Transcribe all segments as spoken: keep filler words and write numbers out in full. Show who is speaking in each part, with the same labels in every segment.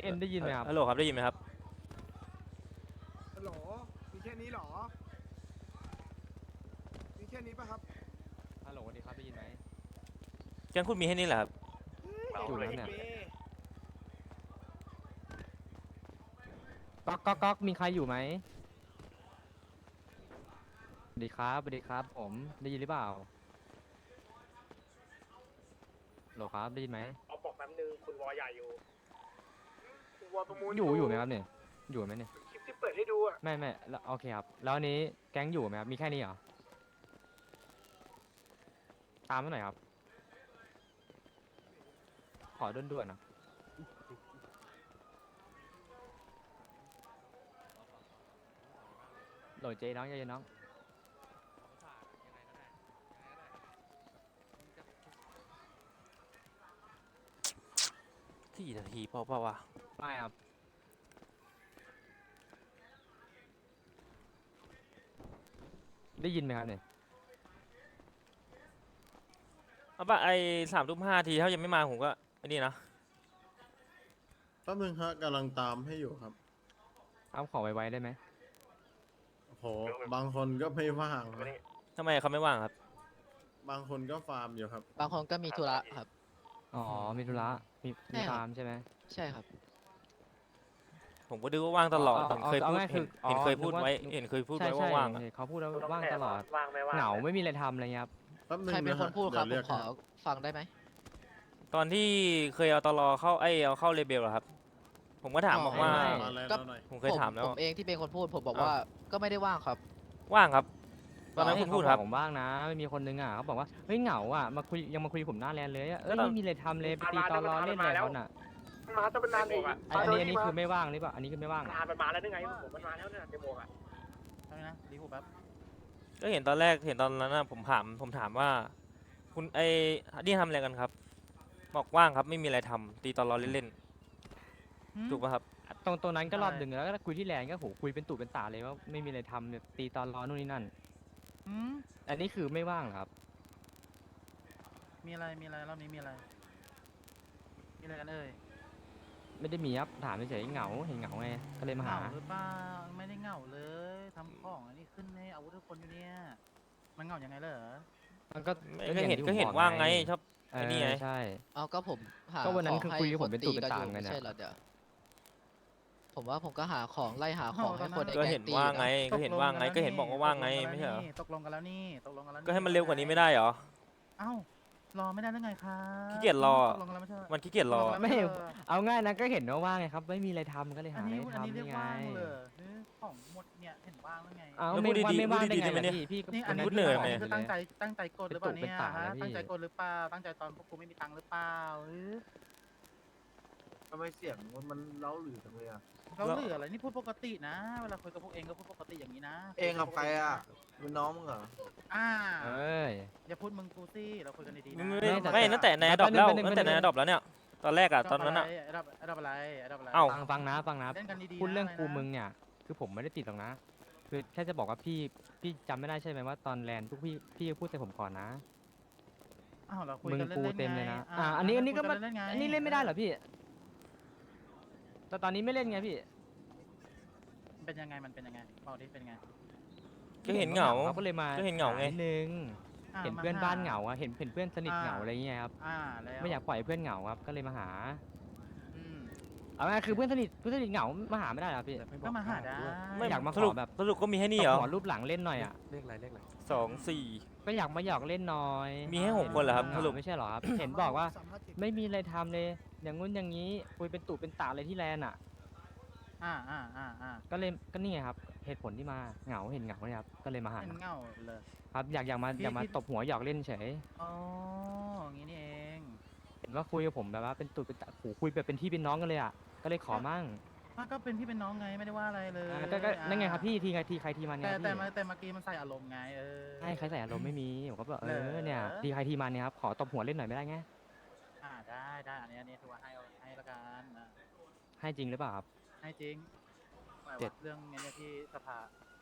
Speaker 1: เอ็นได้ยินไหมครับ
Speaker 2: ฮัลโหลครับได้ยินไหมครับ
Speaker 3: ฮัลโหลมีแค่นี้เหรอ มีแค่นี้ป่ะครับ
Speaker 1: ฮัลโหลสวัสดีครับได้ยินไหม
Speaker 2: แก๊งคุณมีให้นี่แหละครับ
Speaker 1: อยู่แล้วเนี่ยก๊อกก๊อกก๊อกมีใครอยู่ไหมสวัสดีครับสวัสดีครับผมได้ยินหรือเปล่าฮัลโหลครับได้ยินไหม
Speaker 4: เอาบอกแป๊บนึงคุณวอใหญ่อยู่
Speaker 3: คุณวอลประมูล
Speaker 1: อยู่อยู่ไหมครับเนี่ยอยู่ไหมเนี่ย
Speaker 3: คลิปที่เปิดให้ดูอ่ะ
Speaker 1: ไม่ไม่แล้วโอเคครับแล้วอันนี้แก๊งอยู่ไหมครับมีแค่นี้เหรอตามมาหน่อยครับขอด่วนๆนะโหลดเจ๊น้องเจ๊น้อง
Speaker 2: สี่นาทีเปล่าเปล่าวะ
Speaker 1: ไม่ครับได้ยินไหมครับเนี่ย
Speaker 2: เอาปะไอสามทุ่มห้าทีถ้ายังไม่มาผมก็ไอ้นี่นะ
Speaker 5: แป๊บนึงฮะกำลังตามให้อยู่ครับ
Speaker 1: เอาขอไวๆได้ไหม
Speaker 5: โอ้โห บางคนก็ไม่ว่างนะ
Speaker 2: ทำไมเขาไม่ว่างครับ
Speaker 5: บางคนก็ฟาร์มอยู่ครับ
Speaker 6: บางคนก็มีธุระครับ
Speaker 1: อ๋อมีธุระมีมี
Speaker 6: ใช่ครับ
Speaker 1: ฟาร์มใช่ไหม
Speaker 6: ใช่ครับ
Speaker 2: ผมก็ดูว่าว่างตลอด
Speaker 1: เอา
Speaker 2: เห็น
Speaker 1: เอา
Speaker 2: เคย
Speaker 1: เอา
Speaker 2: พูด
Speaker 1: ง่ายๆคื
Speaker 2: เห็
Speaker 1: อน อ๋อ
Speaker 2: เห็นเคยพูด
Speaker 1: นึกว่า
Speaker 2: ไว้เห็นเคยพูด
Speaker 1: ใช่
Speaker 2: ไว้
Speaker 1: ใช่
Speaker 2: ว่าว่างอะ
Speaker 1: เห็นเขาพูดแล้วว่างตลอด
Speaker 4: ว่างไม่ว่าง
Speaker 1: เหงาไม่มีอะไรทำอะไรเงี้ยครับ
Speaker 5: แป๊บนึง
Speaker 6: ใครเป็น
Speaker 5: นะ
Speaker 6: คน
Speaker 5: ฮะ
Speaker 6: พูดครับ
Speaker 5: เดี๋ยว
Speaker 6: ผมขอ
Speaker 5: เรียก
Speaker 6: ฟังได้ไหม
Speaker 2: ตอนที่เคยเอาตลอเข้าไอยเอาเข้าเลเบลเหรอครับ ผมก็ถาม
Speaker 6: อ๋อ
Speaker 2: บอกว่า
Speaker 1: ไม่
Speaker 5: มาแล้ว
Speaker 6: ก็
Speaker 5: หน่อย
Speaker 2: ผมเคยถามแล้ว
Speaker 6: ผมเองที่เป็นคนพูดผมบอก
Speaker 2: อ้าว
Speaker 6: ว่าก็ไม่ได้ว่างครับ
Speaker 2: ว่างครับ ตอนนั้น
Speaker 1: ไม่
Speaker 2: คุณพูดครับ
Speaker 1: เขาอกผมบ้างนะไม่มีคนนึงอ่ะเขาบอกว่าเฮ้ยเหงาอ่ะมาคุยยังมาคุยกับผมหน้าแลนเลยอะเอ้ย
Speaker 2: ก็ตอน
Speaker 1: ไม่มีอะไรทำเลยไปตีตอรอเล่นอะไรเขาน่ะ
Speaker 3: มาจะเป็นนานเอง
Speaker 1: อันอันนี้อันนี้คือไม่ว่างหรือเปล่าอันนี้คือไม่ว่างเหรอ
Speaker 4: นานมันมาแล้วนึกไงผมมันมาแล้วเนี่ยเดโมอ่ะ
Speaker 6: ใช่นะรีหูแป๊บ
Speaker 2: ก็เห็นตอนแรกเห็นตอนนั้นนะผมถามผมถามว่า คุณไอ้นี่ทำอะไรกันครับ บอกว่างครับไม่มีอะไรทำตีตอนรอเล่นๆถูกป่ะครับ
Speaker 1: ตรงตรงนั้นก็รอบหนึ่งแล้วก็คุยที่แลนก็โหคุยเป็นตู่เป็นตาเลยว่าไม่มีอะไรทำเนี่ยตีตอนรอนู่นนี่นั่นอันนี้คือไม่ว่างเหรอครับ
Speaker 7: มีอะไร มีอะไรรอบนี้มีอะไร มีอะไรกันเอ่ย
Speaker 1: ไม่ได้มีครับถามเฉยๆเหงาเห็นเหงาไงก็เลยมา
Speaker 7: เห
Speaker 1: หา
Speaker 7: งาหรือเปล่า ไม่ได้เหงาเลยทำของอันนี้ขึ้นให้อาวุธทุกคนอยู่เนี่ย มันเหงายังไงเหรอ
Speaker 1: มันก็
Speaker 2: ก็เห็น
Speaker 1: ที่
Speaker 2: ก็เห็น
Speaker 1: ผมบอ
Speaker 2: ว่างไงชอบ
Speaker 1: เอ
Speaker 2: ไอ้
Speaker 1: อ
Speaker 2: นี่ไง
Speaker 1: ใช่
Speaker 6: เอาก็ผมหา
Speaker 1: ก็วันนั้น
Speaker 6: ของ
Speaker 1: คือ
Speaker 6: ให้
Speaker 1: คุยกับผม
Speaker 6: ค
Speaker 1: เป็นตู่
Speaker 6: ตี
Speaker 1: เป็น
Speaker 6: กัน
Speaker 1: ตา
Speaker 6: อยู่
Speaker 1: เหมือนกัน
Speaker 6: ไม่
Speaker 1: เนี่ย
Speaker 6: ใช่เหรอเดี๋ยวผมว่าผมก็หาของไล่หาของให้คนใน
Speaker 2: ก็
Speaker 6: แก๊
Speaker 2: เห็น
Speaker 6: งตี
Speaker 2: ว่าง
Speaker 6: นะ
Speaker 2: ไงก็เห็นว่างไงก็เห็นบอกว่าว่างไงไม่ใช่เหรอ
Speaker 7: ตกลงกันแล้วนี่ ตกลงกันแล้วนี่
Speaker 2: ก็ให้มันเร็วกว่านี้ไม่ได้เหรอ
Speaker 7: เอ้า รอไม่ได้หรือไงครับ
Speaker 2: ขี้เกียจรอ
Speaker 7: ตกลงกันแล้วไม่ใช่เหรอ
Speaker 2: มันขี้เกียจรอ
Speaker 7: ตกลงกันแล้ว
Speaker 1: ไม่
Speaker 7: ใช่เหรอ
Speaker 1: เอาง่ายนะก็เห็นว่าว่างไงครับไม่มีอะไรทำก็เลย
Speaker 7: อั
Speaker 1: หาน อะไร
Speaker 7: นี้อัน
Speaker 1: ทำ
Speaker 7: นี้เรีย
Speaker 1: นี่
Speaker 7: ก
Speaker 1: ไง
Speaker 7: ว่างเลยเออของหมดเนี่ยเห็นว่างแล้วไง
Speaker 1: เอา
Speaker 2: แล้ว
Speaker 1: ไม่
Speaker 2: พูด
Speaker 1: ว่า
Speaker 2: ดีๆ
Speaker 1: ไม่ว่าง
Speaker 2: พูด
Speaker 1: ได้
Speaker 2: ดีๆ
Speaker 1: ไง
Speaker 2: ได้ไหม
Speaker 1: ล่ะ
Speaker 2: เนี่ย
Speaker 1: พี่พี่
Speaker 7: นี่อัน
Speaker 2: พู
Speaker 7: นี้
Speaker 2: ดเหนื่อยไหม
Speaker 7: คือตั้งใจตั้งใจกดหรือเปล่า
Speaker 1: เป็น
Speaker 7: เนี่ย
Speaker 1: ตุเป็นตา
Speaker 7: ฮะ
Speaker 1: แล้วพี่
Speaker 7: ตั้งใจกดหรือเปล่าตั้งใจตอนพวกกูไม่มีตังค์หรือเปล่าเออ
Speaker 3: ทำไมเสียงมันเล้าหรือจังเลยอ่ะ
Speaker 7: เราเหลืออะไรนี่พูดปกตินะ เวลาคุยกับพวกเองก็พูดปกติอย่างนี้นะ
Speaker 3: เองกับใครอ่ะเป็นน้องมึงเหรอ
Speaker 7: อ่า
Speaker 1: เอ้ย
Speaker 7: อย่าพูดมึงกูสิเราคุยกันดีๆ
Speaker 2: ไม่
Speaker 7: นะ
Speaker 2: ไม่
Speaker 1: แต่
Speaker 2: ไม่
Speaker 1: แต่
Speaker 2: ตั้งแต่ใน
Speaker 1: แต่
Speaker 2: ดรอปแล้ว
Speaker 1: เป็นหนึ่ง
Speaker 2: ตั้งแต่ใน
Speaker 1: เป็นหนึ่ง
Speaker 2: ดรอปแล้วเนี่ย ตอนแรกอะตอนนั้นอะ
Speaker 7: ไอ้ดับไอ้ดับอะไรไอ้ดับอะไร
Speaker 2: เอ้า
Speaker 1: ฟังฟังนะฟังนะ
Speaker 7: เล่นกันดีๆ
Speaker 1: พูดเรื่อง
Speaker 7: นะ
Speaker 1: กูมึงเนี่ยคือผมไม่ได้ติดหรอกนะ คือแค่จะบอกว่าพี่พี่จำไม่ได้ใช่ไหมว่าตอนแลนด์ทุกพี่พี่พูดแต่ผมก่อนนะ
Speaker 7: อ้าวเราคุย
Speaker 1: มึง
Speaker 7: กันเล่
Speaker 1: กู
Speaker 7: นๆ
Speaker 1: เต็ม
Speaker 7: ไง
Speaker 1: เลยนะ
Speaker 7: า
Speaker 1: อ่าอันนี้อันนี้ก็
Speaker 7: คุย
Speaker 1: มัน
Speaker 7: เล่นๆไง
Speaker 1: อันนี้เล่นไม่ได้เหรอพี่ แต่ตอนนี้ไม่เล่นไงพี่
Speaker 7: เป็นยังไงมันเป็นยังไงบอกดิเป็นยังไง
Speaker 2: ก็เห็นเหงา
Speaker 1: ก็เลยมา
Speaker 2: ก็เห็นเหงาไง
Speaker 1: นิดนึง
Speaker 7: อ่ะ
Speaker 1: เห็น
Speaker 7: ม
Speaker 1: เพื่อนบ้านเหงา
Speaker 7: ห
Speaker 1: อะเห็นเห็นเพื่อนสนิท
Speaker 7: อ่า
Speaker 1: เหงาอะไรเงี้ยครับ
Speaker 7: อ่าแล้ว
Speaker 1: ไม่อยากปล่อยให้เพื่อนเหงาครับ ก็เลยมาหา
Speaker 7: อืม
Speaker 1: เอาง่ายๆคือเพื่อนสนิทเพื่อนสนิทเหงามาหาไม่ได้เหรอพี่
Speaker 7: ก็มาหาได้
Speaker 2: ไม่
Speaker 1: อยากมา
Speaker 2: สรุป
Speaker 1: ขอแบบ
Speaker 2: สรุปก็มีให้นี่เหรอ
Speaker 1: ขอรูปหลังเล่นหน่อยอ่ะ
Speaker 2: สองสี่
Speaker 1: ก็อยากมาหยอกเล่นหน่อย
Speaker 2: มีให้หกคนเหรอครับ
Speaker 1: เห
Speaker 2: ส
Speaker 1: งา
Speaker 2: รุป
Speaker 1: ไม่ใช่เหรอครับ เห็นบอกว่า ไม่มีอะไรทำเลย อย่างงู้นอย่างนี้คุยเป็นตู่เป็นตาเลยที่แลนด์อ่ะ
Speaker 7: อ่าอ่าอ่าอ่า
Speaker 1: ก็เลยก็นี่ไงครับ เหตุผลที่มาเหงาเห็นเหงาเนี่ยครับ ก็เลยมาหา
Speaker 7: เป็นเงาเลย
Speaker 1: ครับ อยากอยากมา
Speaker 7: พี่
Speaker 1: อยากมา
Speaker 7: พี่
Speaker 1: ตบหัวหยอกเล่นเฉย
Speaker 7: อ๋ออย่างนี้นี่เอง
Speaker 1: เห็นว่าคุยกับผมแบบว่าเป็นตู่เป็นตาโหคุยแบบเป็นพี่เป็นน้องกันเลยอ่ะ ก็เลยขอมั่ง
Speaker 7: อ่ะก็เป็นพี่เป็นน้องไงไม่ได้ว่าอะไรเลย
Speaker 1: อ่าก็ก็นั่นไงครับพี่ทีไงทีใครทีมันไง
Speaker 7: แต่
Speaker 1: พี่
Speaker 7: แต่มาแต่เมื่อกี้มันใส่อารมณ์ไงเออ
Speaker 1: ใช่ใครใส่อารมณ์ไม่มีผมก็แบบเอ
Speaker 7: เหร
Speaker 1: อ
Speaker 7: อ
Speaker 1: เนี่ยทีใครทีมันเนี่ยครับขอตบหัวเล่นหน่อยไม่ได้ไง
Speaker 7: อ่าได้ได้อันนี้อันนี้ถือว่าให้ให้ละกันอ่ะ
Speaker 1: ให้จริงหรือเปล่าครับ
Speaker 7: ให้จริงหมาย
Speaker 1: เจ็
Speaker 7: ว่า
Speaker 1: ด
Speaker 7: เรื่องเนี้ยที่สภา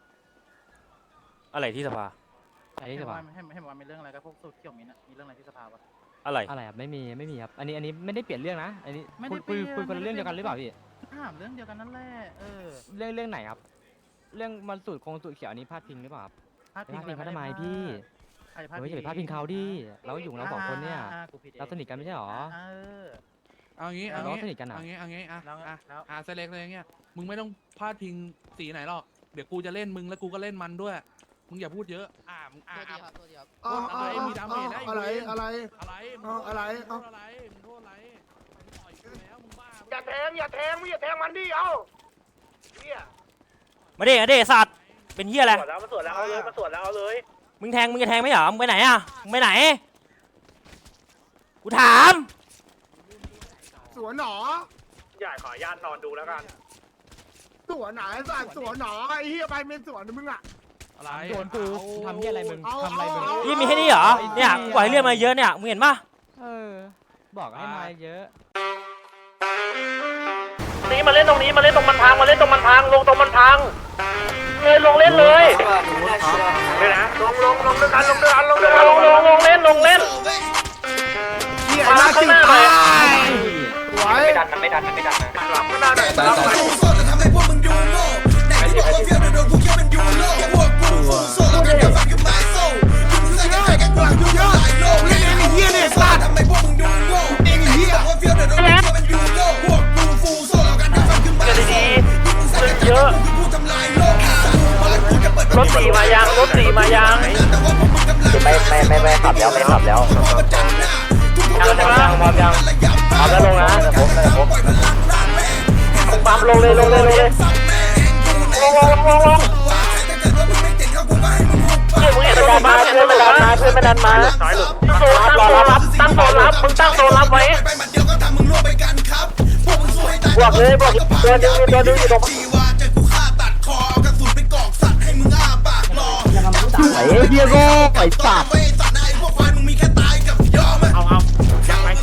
Speaker 2: อะไรที่สภา
Speaker 1: ใช่หรือเปล่า
Speaker 7: ให้ให้ให้บอกว่ามีเรื่องอะไรกับพวกสูตรเขียวมินท์อะมีเรื่องอะไรที่สภาวะ
Speaker 2: อะไร
Speaker 1: อะไรครับไม่มีไม่มีครับอันนี้อันนี้ไม่ได้เปลี่ยนเรื่องนะอันนี้
Speaker 7: ไม่ได้
Speaker 1: คุยคุย
Speaker 7: เปลี่ยน
Speaker 1: คุยคนละ
Speaker 7: ไม่ได้
Speaker 1: เรื่องเดียวกันหรือเปล่าพี่
Speaker 7: ถามเรื่องเดียวกันนั่นแหละเออ
Speaker 1: เรื่องเรื่องไหนครับ เรื่องมันสูตรคงสูตรเขียวอันนี้พลาดพิงหรือเปล่าครับ
Speaker 7: พลาด
Speaker 1: ไปพลาดพิงเขาทำไม
Speaker 7: อะร
Speaker 1: พี่
Speaker 7: ใครพลาด
Speaker 1: เฮ้ยอย่าไปพลาดพิงเขาดิเราอยู่ของเราสองคนเนี่ย
Speaker 7: อ่ากูผิดอง
Speaker 1: เราสนิทกันไม่ใช่หรอ
Speaker 7: เออ
Speaker 8: เอางี้
Speaker 1: เรา
Speaker 8: เอางี้
Speaker 1: สนิทกันอะ
Speaker 8: เอางี้เอางี้อ่ะ
Speaker 7: แล้ว
Speaker 8: อ่ะ
Speaker 7: แล้ว
Speaker 8: อ่ะเซเล็กเลยเงี้ยมึงไม่ต้องพลาดพิงสีไหนหรอกเดี๋ยวกูจะเล่นมึงแล้วกูก็เล่นมันด้วยมึงอย่าพูดเยอะอ่ะมึงอ่ะ
Speaker 6: ตัวดี
Speaker 8: อ่ะ
Speaker 6: ครับตัวดีครับ
Speaker 5: เอาเอา
Speaker 8: อะไร
Speaker 5: เอา
Speaker 8: มีดาเมจได้อีก
Speaker 5: อะไร
Speaker 8: เว้ย
Speaker 5: อะไร
Speaker 8: อะไรมึง
Speaker 5: เอาอะไร
Speaker 8: มึงโท
Speaker 5: เอา
Speaker 8: ษอะไรมึงโทษอะไรมึงต่อยกูแล้วมึงบ้า
Speaker 4: อย่าแทงอย่าแทงไม่อย่าแทงมันดิเอ้าเนี่ย
Speaker 2: มาดิมาดิสัตว์เป็นเฮียอะไร
Speaker 4: สวนแล้วมาสวนแล้วเอาเลยมาสวนแล้วเอาเลย
Speaker 2: มึงแทงมึงจะแทงไม่เหรอมึงไปไหนอ่ะมึงไปไหนกูถาม
Speaker 5: สวนหนอ
Speaker 4: อย่าขออนุญาตนอนดูแล้วกัน
Speaker 5: สวนไหนสัตว์สวนหนอไอ้เหี้ยไปเป็นสวนมึงอ่ะ
Speaker 8: อะไร
Speaker 1: โดนกูทำเหี้ยอะไรมึง
Speaker 5: เอา
Speaker 1: ทำอะไรมึง
Speaker 5: เอา
Speaker 2: นี่มีแค่นี้เหรอเนี่ยกูปล่อยเรื่องมาเยอะเนี่ยมึงเห็นปะ
Speaker 1: เออ บอกให้มาเยอะ
Speaker 4: นี่มาเล่นตรงนี้มาเล่นตรงมันพังมาเล่นตรงมันพังลงตรงมันพังเลยลงเล่นเลยเลยนะลงลงลงด้วยกันลงด้วยกันลงด้วยกันลงลงลงเล่นลงเล่น
Speaker 5: เหี้ย
Speaker 4: มา
Speaker 5: น่า
Speaker 4: ข้า
Speaker 5: สิ
Speaker 4: งหน้าหน่อย
Speaker 5: สวย
Speaker 4: ไม่ดันมันไม่ดันมันไม่ดันนะหลับข้างหน้าหน่อยหลับหน่อย
Speaker 5: ไอ้เหี้ยเนี่ยสัตว์ไอ้เหี้ย
Speaker 4: กันดีๆขึ้นเยอะรถสีมายังรถสีมายังไม่ไม่ไม่ไม่ขับแล้วไม่ขับแล้วยังยังยังพร้อมยังพร้อมแล้วลงนะผมเลยผมปั๊มลงเลยลงเลยลงเลยลงลงลงลงเฮ้ยมึงเห็นตัวมาเพื่อนไม่ดันมาเพื่อนไม่ดันมาตั้งโซนตั้งโซนรับตั้งโซนรับมึงตั้งโซนรับไว้บวกเลยบวกตัวดึงตัวดึงอยู่ตรงไอ้เบียโก้ไอ้สัตว์เอาเอายังไง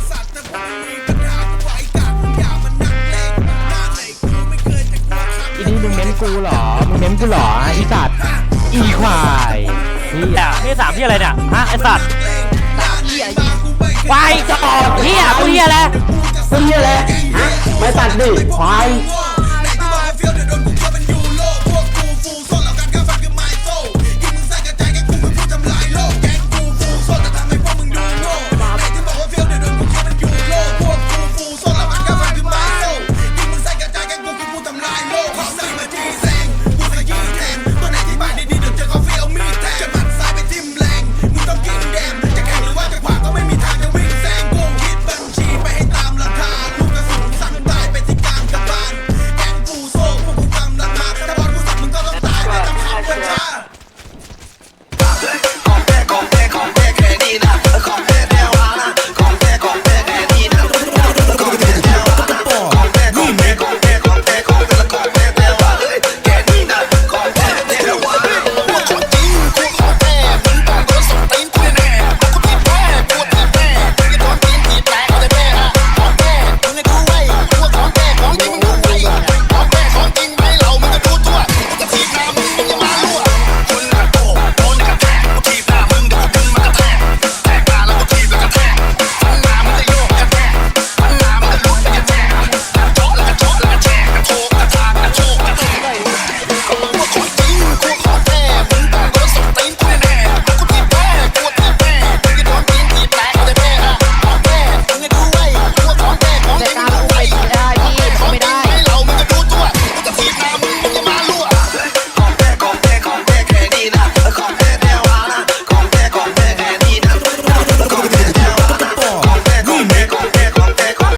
Speaker 1: อีนี่มึงเม้นกูเหรอ มึงเม้นกูเหรออีสัตว์ อีควายเฮีย
Speaker 2: เนี่ยนี่สามที่อะไรเนี่ยฮะไอสัตว์ควายจอกเฮียกูเฮียอะไร
Speaker 1: เฮียอะไรไม่ตัดดิควาย